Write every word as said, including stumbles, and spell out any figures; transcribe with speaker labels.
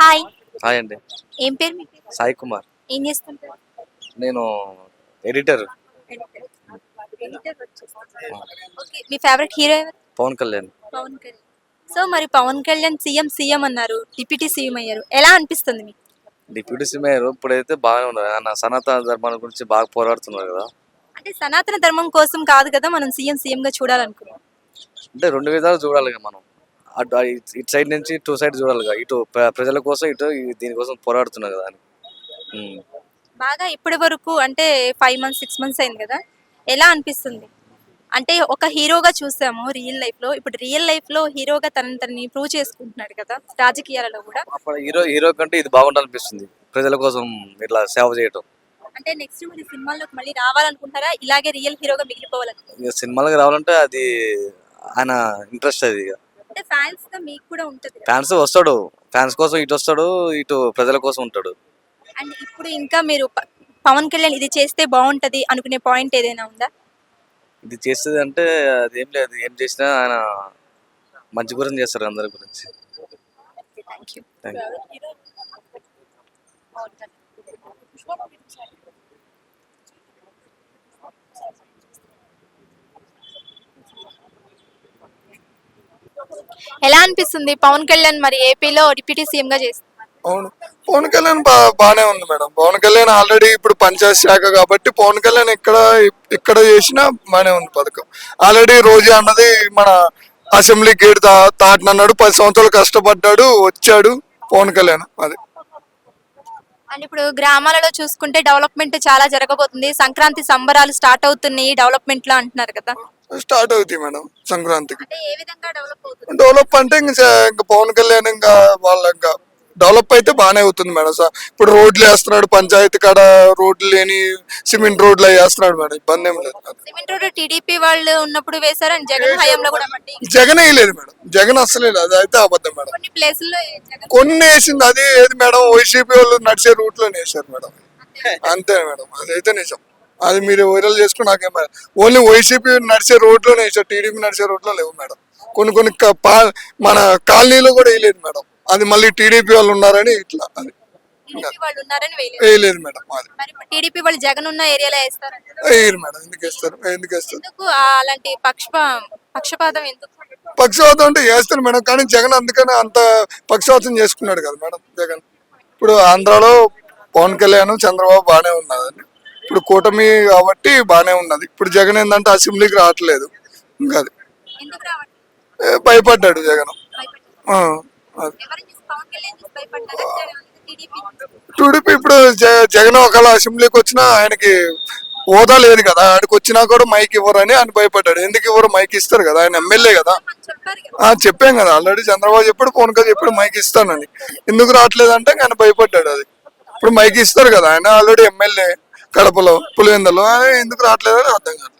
Speaker 1: Hi.
Speaker 2: Hi అండి.
Speaker 1: ఏం పేరు మీ పేరు?
Speaker 2: సాయి కుమార్.
Speaker 1: ఏం చేస్తుంటారు?
Speaker 2: నేను ఎడిటర్.
Speaker 1: ఎడిటర్. ఎడిటర్ వర్క్ చేస్తుంటారా? ఓకే. మీ ఫేవరెట్ హీరో ఎవరు?
Speaker 2: పవన్ కళ్యాణ్.
Speaker 1: పవన్ కళ్యాణ్. సో మరి పవన్ కళ్యాణ్ సీఎం సీఎం అన్నారు. డిప్యూటీ సీఎం అయ్యారు. ఎలా అనిపిస్తుంది మీకు?
Speaker 2: డిప్యూటీ సీఎం ఇప్పుడైతే బాగానే ఉన్నారు. ఆయన సనాతన ధర్మాల గురించి బాగా పోరాడుతున్నారు కదా.
Speaker 1: అంటే సనాతన ధర్మం కోసం కాదు కదా మనం సీఎం సీఎం గా చూడాలనుకున్నాం.
Speaker 2: అంటే రెండు విధాలు చూడాలి కదా మనం. అటు ఇటు ఇటు సైడ్ నుంచి టూ సైడ్ చూడాలి కదా. ఇటు ప్ర- ప్రజల కోసం ఇటు ఈ- దీనికోసం పోరాడుతున్నారు కదా అని. ఉమ్.
Speaker 1: బాగా ఇప్పటి వరకు అంటే ఫైవ్ మంత్స్ సిక్స్ మంత్స్ అయింది కదా, ఎలా అనిపిస్తుంది? అంటే ఒక హీరోగా చూసాము రియల్ లైఫ్ లో, ఇప్పుడు రియల్ లైఫ్ లో హీరోగా తనని తనని ప్రూవ్ చేసుకుంటున్నాడు కదా రాజకీయాలలో కూడా.
Speaker 2: అప్పుడు హీరో హీరో కంటే ఇది బాగుండాలనిపిస్తుంది, ప్రజల కోసం ఇట్లా సేవ చేయటం.
Speaker 1: అంటే నెక్స్ట్ మరి సినిమాల్లోకి మళ్ళీ రావాలనుకుంటారా, ఇలాగే రియల్ హీరోగా మిగిలిపోవాలనుకుంటారా?
Speaker 2: ఇక సినిమాలకు రావాలంటే అది ఆయన ఇంట్రెస్ట్. అది ఇక
Speaker 1: అంటే ఫ్యాన్స్ గా మీకు కూడా ఉంటది కదా.
Speaker 2: ఫ్యాన్స్ వస్తాడు, ఫ్యాన్స్ కోసం ఇటు వస్తాడు, ఇటు ప్రజల కోసం ఉంటాడు.
Speaker 1: అండ్ ఇప్పుడు ఇంకా మీరు ప- పవన్ కళ్యాణ్ ఇది చేస్తే బాగుంటది అనుకునే పాయింట్ ఏదైనా ఉందా?
Speaker 2: ఇది చేస్తుంది అంటే అది ఏం లేదు, ఏం చేసినా ఆయన మంచి గురించి చేస్తారు అందరి గురించి.
Speaker 1: Thank you.
Speaker 2: Thank you.
Speaker 1: ఎలా అనిపిస్తుంది పవన్ కళ్యాణ్ మరి ఏపీలో డిప్యూటీ సీఎం గా చేస్తున్నారు?
Speaker 3: అవును, పవన్ కళ్యాణ్ బా బాగానే ఉంది మేడం. పవన్ కళ్యాణ్ ఆల్రెడీ ఇప్పుడు పంచాయత్ శాఖ కాబట్టి పవన్ కళ్యాణ్ ఇక్కడ ఇక్కడ చేసినా బాగానే ఉంది పథకం. ఆల్రెడీ రోజా అన్నది మన అసెంబ్లీ గేట్ దా దాటినన్నాడు, పది సంవత్సరాలు కష్టపడ్డాడు, వచ్చాడు పవన్ కళ్యాణ్. అది
Speaker 1: అండ్ ఇప్పుడు గ్రామాలలో చూసుకుంటే డెవలప్మెంట్ చాలా జరగబోతుంది, సంక్రాంతి సంబరాలు స్టార్ట్ అవుతున్నాయి డెవలప్మెంట్ లో అంటున్నారు కదా.
Speaker 3: స్టార్ట్ అవుతాయి మేడం సంక్రాంతికి.
Speaker 1: అంటే ఏ విధంగా డెవలప్ అవుతుంది?
Speaker 3: డెవలప్ అంటే ఇంకా ఇంకా పవన్ కళ్యాణ్ ఇంకా వాళ్ళ ఇంకా డెవలప్ అయితే బాగానే అవుతుంది మేడం. సార్ ఇప్పుడు రోడ్లు వేస్తున్నాడు, పంచాయతీ కాడ రోడ్లు లేని సిమెంట్ రోడ్లు అవి వేస్తున్నాడు మేడం, ఇబ్బంది ఏం లేదు.
Speaker 1: సిమెంట్ రోడ్ టీడీపీ వాళ్ళు ఉన్నప్పుడు వేశారు, అండ్ జగన్ హయాంలో కూడా పడ్డాయి.
Speaker 3: జగన్ వేయలేదు మేడం, జగన్ అసలే లేదు, అది అయితే అబద్ధం మేడం.
Speaker 1: కొన్ని ప్లేసుల్లో జగన్
Speaker 3: కొన్ని వేసింది, అది ఏది మేడం వైసీపీ వాళ్ళు నడిచే రూట్ లోనే వేసారు మేడం. అంతే మేడం, అదైతే నిజం. అది మీరు వైరల్ చేసుకుని నాకేం మేడం, ఓన్లీ వైసీపీ నడిచే రోడ్ లోనే వేసారు, టీడీపీ నడిచే రోడ్ లో లేవు మేడం. కొన్ని కొన్ని క- పా- మన కాలనీలో కూడా వేయలేదు మేడం, అది మళ్ళీ టీడీపీ వాళ్ళు ఉన్నారని ఇట్లా అది
Speaker 1: టీడీపీ వాళ్ళు ఉన్నారని వేయలేదు.
Speaker 3: వేయలేదు మేడం. అది
Speaker 1: మరి ఇప్పుడు టీడీపీ వాళ్ళు జగన్ ఉన్న ఏరియాలో వేస్తారంట.
Speaker 3: వేయరు మేడం, ఎందుకు వేస్తారు, ఎందుకు వేస్తారు?
Speaker 1: ఎందుకు ఆ అలాంటి పక్ష పక్షపాతం ఎందుకు?
Speaker 3: పక్షవాతం అంటే వేస్తారు మేడం, కానీ జగన్ అందుకని అంత పక్షవాతం చేసుకున్నాడు కదా మేడం జగన్. ఇప్పుడు ఆంధ్రాలో పవన్ కళ్యాణ్ చంద్రబాబు బాగానే ఉన్నదండి, ఇప్పుడు కూటమి కాబట్టి బాగానే ఉన్నది. ఇప్పుడు జగన్ ఏంటంటే అసెంబ్లీకి రావట్లేదు, ఇంకా అది
Speaker 1: ఎందుకు రావట్లేదు?
Speaker 3: ఏ, భయపడ్డాడు జగన్.
Speaker 1: భయపడ్డారు.
Speaker 3: ఆ, అది
Speaker 1: ఎవరిని చూసి పవన్ కళ్యాణ్ చూసి భయపడ్డారా? టీడీపీ
Speaker 3: టీడీపీ ఇప్పుడు జ- జగన్ ఒకవేళ అసెంబ్లీకి వచ్చినా ఆయనకి హోదా లేదు కదా, ఆడికి వచ్చినా కూడా మైక్ ఇవ్వరని ఆయన భయపడ్డాడు. ఎందుకు ఇవ్వరు, మైక్ ఇస్తారు కదా, ఆయన ఎమ్మెల్యే కదా.
Speaker 1: చెప్పారు కదా.
Speaker 3: ఆ చెప్పాం కదా ఆల్రెడీ, చంద్రబాబు చెప్పాడు, పవన్ కళ్యాణ్ చెప్పాడు మైక్ ఇస్తానని. ఎందుకు రావట్లేదు అంటే ఆయన భయపడ్డాడు. అది ఇప్పుడు మైక్ ఇస్తారు కదా, ఆయన ఆల్రెడీ ఎమ్మెల్యే కడపలో పులివెందలో, ఆయన ఎందుకు రావట్లేదు అని అర్థం కాదు.